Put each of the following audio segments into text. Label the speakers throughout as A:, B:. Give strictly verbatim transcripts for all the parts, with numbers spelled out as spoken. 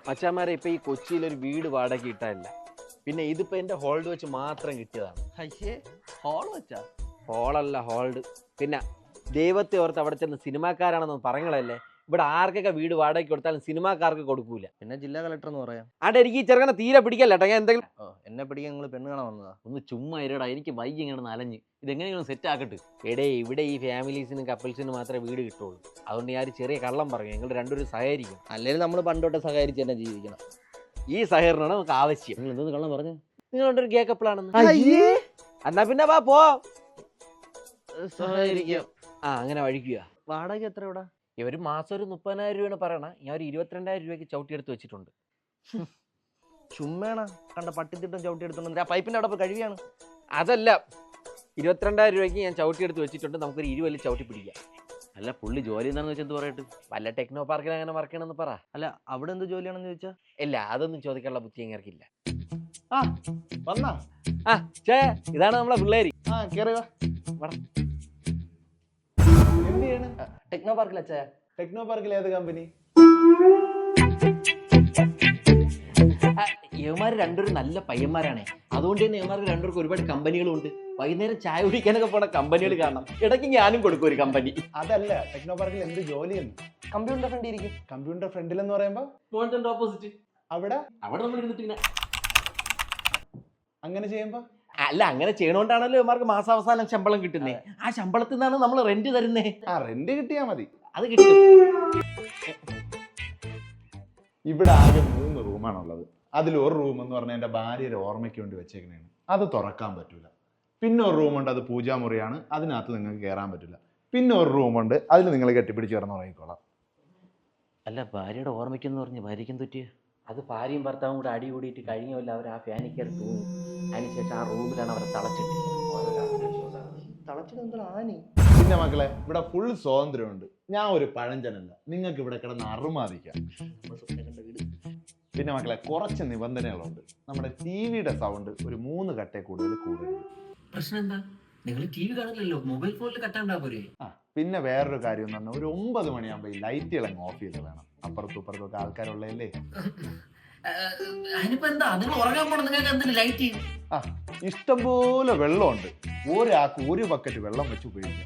A: മച്ചാമാരെ ഇപ്പൊ ഈ കൊച്ചിയിൽ ഒരു വീട് വാടക കിട്ടാനില്ല. പിന്നെ ഇതിപ്പോ എന്റെ ഹോൾഡ് വെച്ച് മാത്രം കിട്ടിയതാണ്.
B: അയ്യേ, ഹോൾ വെച്ചാ?
A: ഹോളല്ല, ഹോൾഡ്. പിന്നെ ദൈവത്തെ ഓർത്ത് അവിടെ ചെന്ന് സിനിമാക്കാരാണെന്ന് പറഞ്ഞങ്ങളല്ലേ. ഇവിടെ ആർക്കൊക്കെ വീട് വാടകയ്ക്ക് കൊടുത്താലും സിനിമാക്കാർക്ക് കൊടുക്കൂല.
B: പിന്നെ ജില്ലാ കളക്ടർ എന്ന് പറയാം.
A: ആടെ എനിക്ക് ഈ ചെറുക്കനെ തീരെ പിടിക്കല്ല കേട്ടോ. ഞാൻ എന്തെങ്കിലും
B: ഓ, എന്നെ പിടിക്കാൻ നിങ്ങൾ പെണ്ണ് കാണാൻ വന്നതാ?
A: ഒന്ന് ചുമ്മാ ഇരടാ, എനിക്ക് വൈകി ഇങ്ങനെ നലഞ്ഞ് ഇതെങ്ങനെയാണ് സെറ്റ് ആക്കട്ടെ. എടേ, ഇവിടെ ഈ ഫാമിലീസിനും കപ്പിൾസിനും മാത്രമേ വീട് കിട്ടുള്ളൂ. അതുകൊണ്ട് ഞാൻ ഒരു ചെറിയ കള്ളം പറഞ്ഞു, നിങ്ങൾ രണ്ടുപേരും സഹകരിക്കും.
B: അല്ലെങ്കിൽ നമ്മൾ പണ്ടോട്ടെ സഹകരിച്ച് തന്നെ ജീവിക്കണം.
A: ഈ സഹകരണമാണ് നമുക്ക് ആവശ്യം.
B: നിങ്ങൾ എന്തോന്ന് കള്ളം പറഞ്ഞു?
A: നിങ്ങൾ രണ്ടൊരു ഗേ കപ്പിളാണെന്ന്. എന്നാ പിന്നെ വാ പോ
B: സഹകരിക്കാം.
A: ആ, അങ്ങനെ വഴിക്കുക.
B: വാടക എത്ര ഇവിടെ?
A: ഒരു മാസം ഒരു മുപ്പതിനായിരം രൂപയാണ് പറയണ. ഞാൻ ഒരു ഇരുപത്തിരണ്ടായിരം രൂപയ്ക്ക് ചവിട്ടിയെടുത്ത് വെച്ചിട്ടുണ്ട്.
B: ചുമ്മേണ കണ്ട പട്ടിത്തിട്ടം ചവിട്ടി എടുത്തോണ്ട് ആ പൈപ്പിന്റെ അവിടെ കഴിയാണ്.
A: അതല്ല, ഇരുപത്തിരണ്ടായിരം രൂപയ്ക്ക് ഞാൻ ചവിട്ടിയെടുത്ത് വെച്ചിട്ടുണ്ട്. നമുക്കൊരു ഇരുവല്ലി ചവിട്ടി പിടിക്കാം. അല്ല, പുള്ളി ജോലി എന്താണെന്ന് വെച്ചാൽ എന്ത് പറയട്ടെ? വല്ല ടെക്നോ പാർക്കിൽ അങ്ങനെ വർക്ക് ചെയ്യണമെന്ന് പറ.
B: അല്ല, അവിടെ എന്ത് ജോലിയാണെന്ന് ചോദിച്ചാ?
A: ഇല്ല, അതൊന്നും ചോദിക്കാനുള്ള ബുദ്ധി ഞങ്ങൾക്കില്ല.
B: ആ വന്നാ?
A: ആ ചേ, ഇതാണ് നമ്മളെ പിള്ളേര്.
B: ആ കേറി വാ. എന്ത് ചെയ്യണ്? ടെക്നോ പാർക്കിൽ അച്ഛാ.
C: ടെക്നോ പാർക്കിൽ ഏത് കമ്പനി?
A: യവന്മാര് രണ്ടുപേരും നല്ല പയ്യന്മാരാണേ. അതുകൊണ്ട് തന്നെ യവന്മാർക്ക് രണ്ടുപേർക്ക് ഒരുപാട് കമ്പനികളും ഉണ്ട്. വൈകുന്നേരം ചായ കുടിക്കാനൊക്കെ പോണ കമ്പനികൾ കാണണം. ഇടയ്ക്ക് ഞാനും കൊടുക്കും ഒരു കമ്പനി.
C: അതല്ല, ടെക്നോ പാർക്കിൽ എന്ത് ജോലിയെന്ന്?
B: കമ്പ്യൂട്ടർ ഫ്രണ്ട് ഇരിക്കും.
C: കമ്പ്യൂട്ടർ ഫ്രണ്ടിൽ എന്ന് പറയുമ്പോ
A: ഓപ്പോസിറ്റ്
C: അവിടെ
A: അവിടെ നമ്മൾ ഇരുന്നിട്ട്
C: അങ്ങനെ ചെയ്യുമ്പോ?
A: അല്ല, അങ്ങനെ ചെയ്യണോണ്ടാണല്ലോ ഇവന്മാർക്ക് മാസാവസാനം ശമ്പളം കിട്ടുന്നേ. ആ ശമ്പളത്തിൽ നിന്നാണ് നമ്മൾ റെന്റ് തരുന്നേ.
C: ആ, റെന്റ് കിട്ടിയാ മതി.
A: അത് കിട്ടും.
C: ഇവിടെ ആകെ മൂന്ന് റൂമാണുള്ളത്. അതിൽ ഒരു റൂം എന്ന് പറഞ്ഞാൽ എന്റെ ഭാര്യയുടെ ഓർമ്മയ്ക്ക് വേണ്ടി വെച്ചേക്കണേണ്. അത് തുറക്കാൻ പറ്റൂല. പിന്നെ ഒരു റൂമുണ്ട്, അത് പൂജാമുറിയാണ്. അതിനകത്ത് നിങ്ങൾക്ക് കയറാൻ പറ്റില്ല. പിന്നെ ഒരു റൂമുണ്ട്, അതിൽ നിങ്ങൾ കെട്ടിപ്പിടിച്ച് കിടന്ന് ഉറങ്ങിക്കോളാം.
A: അല്ല, ഭാര്യയുടെ ഓർമ്മയ്ക്കെന്ന് പറഞ്ഞ് ഭാര്യയ്ക്കും തെറ്റിയ അത് ഭാര്യയും ഭർത്താവും കൂടെ അടി കൂടിയിട്ട് കഴിഞ്ഞല്ല. അവർ ആ ഫാനിൽ കയറി തൂങ്ങി. അതിനുശേഷം ആ റൂമിലാണ് അവരെ
B: തളച്ചിട്ട് ആനി.
C: പിന്നെ മക്കളെ, ഇവിടെ ഫുൾ സ്വാതന്ത്ര്യമുണ്ട്. ഞാൻ ഒരു പഴഞ്ചനല്ല, നിങ്ങൾക്ക് ഇവിടെ കിടന്ന് അറുമാദിക്കാം. പിന്നെ മക്കളെ, കുറച്ച് നിബന്ധനകളുണ്ട്. നമ്മുടെ ടി വിയുടെ സൗണ്ട് ഒരു മൂന്ന് കട്ടേ കൂടുതൽ കൂടരുത്.
A: പ്രശ്നം എന്താ? നിങ്ങൾ ടി വി കാണില്ലല്ലോ, മൊബൈൽ ഫോണിൽ കട്ടാണ്ടാ പോരെ.
C: ആ, പിന്നെ വേറൊരു കാര്യം എന്ന് പറഞ്ഞാൽ ഒരു ഒമ്പത് മണിയാകുമ്പോൾ ഈ ലൈറ്റുകൾ അങ്ങ് ഓഫ് ചെയ്ത് വേണം. അപ്പുറത്തും ഇപ്പുറത്തും ഒക്കെ ആൾക്കാരുള്ളതല്ലേ. ആ, ഇഷ്ടംപോലെ വെള്ളമുണ്ട്. ഒരാൾക്ക് ഒരു ബക്കറ്റ് വെള്ളം വെച്ച് ഉപയോഗിക്കാം.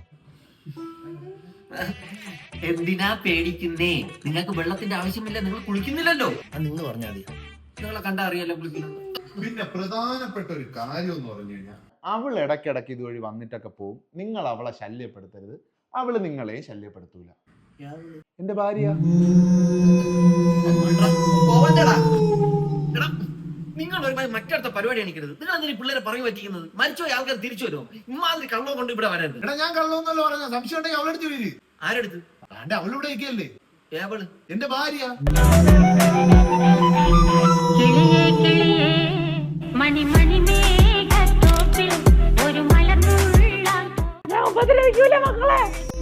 D: എന്തിനാ പേടിക്കുന്നേ? നിങ്ങൾക്ക് വെള്ളത്തിന്റെ ആവശ്യമില്ല, നിങ്ങൾ കുളിക്കുന്നില്ലല്ലോ.
B: നിങ്ങൾ പറഞ്ഞാൽ മതി,
D: നിങ്ങളെ കണ്ടാ അറിയാലോ കുളിക്കുന്നത്.
E: പിന്നെ പ്രധാനപ്പെട്ട ഒരു കാര്യം എന്ന് പറഞ്ഞു കഴിഞ്ഞാൽ,
C: അവൾ ഇടയ്ക്കിടയ്ക്ക് ഇതുവഴി വന്നിട്ടൊക്കെ പോവും. നിങ്ങൾ അവളെ ശല്യപ്പെടുത്തരുത്, അവള് നിങ്ങളെ ശല്യപ്പെടുത്തൂല. എന്റെ ഭാര്യ
D: നിങ്ങൾ ഒരു മറ്റടുത്ത പരിപാടി കാണിക്കരുത്. നിങ്ങൾ എന്തിനാ പിള്ളേരെ പറഞ്ഞു പറ്റിക്കുന്നത്? മരിച്ചുപോയ ആൾക്കാർ തിരിച്ചു വരുമോ? ഇമാതിരി കള്ളോ കൊണ്ട് ഇവിടെ വരരുത്.
E: എടാ ഞാൻ കള്ളൊന്നല്ലോ പറഞ്ഞ, സംശയം ഉണ്ടെങ്കിൽ അവളെടുത്ത് വീര്.
D: ആരെടുത്ത്?
E: അന്റെ അവളിവിടെ ഇരിക്കല്ലേ,
D: ഏവള്
E: എന്റെ ഭാര്യ.
F: കിളിയേ കിളിയേ മണി മണി മേഘത്തോപ്പിൽ ഒരു മലർന്നുള്ളാൻ. ഞാൻ ഉപദ്രവിക്കൂല മക്കളെ.